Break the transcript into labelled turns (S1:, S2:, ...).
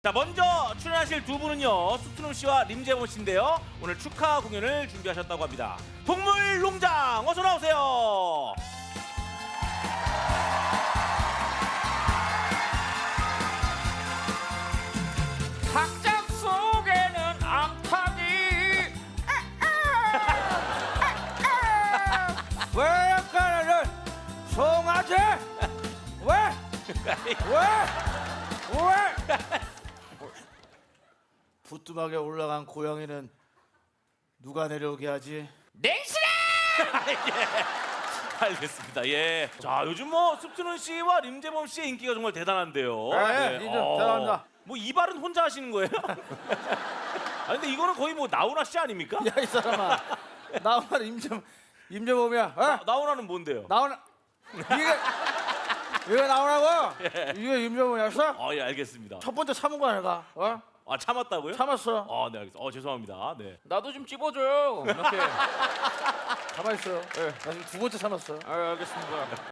S1: 자, 먼저 출연하실 두 분은요, 수트룸 씨와 림재범 씨인데요. 오늘 축하 공연을 준비하셨다고 합니다. 동물농장 어서 나오세요.
S2: 닭장 속에는 암탉이 왜 약간은 송아지 왜
S3: 부뚜막에 올라간 고양이는 누가 내려오게 하지?
S2: 냉실해
S1: 알겠습니다. 예. 자, 요즘 뭐 수트룸 씨와 림재범 씨의 인기가 정말 대단한데요.
S3: 네, 인정. 대단합니다.
S1: 뭐 이발은 혼자 하시는 거예요? 아 근데 이거는 거의 뭐 나훈아 씨 아닙니까?
S3: 야, 이 사람아. 나훈아 임재범이야. 어?
S1: 나훈아는 뭔데요?
S3: 나훈아. 이게 나훈아고? 이게 임재범이었어?
S1: 예, 알겠습니다.
S3: 첫 번째 참은 거야, 내가. 어?
S1: 아, 참았다고요?
S3: 참았어.
S1: 네, 알겠습니다. 죄송합니다. 네.
S2: 나도 좀 찝어줘요 이렇게
S3: 가만히 있어. 나 지금 두 번째 참았어.
S2: 알겠습니다.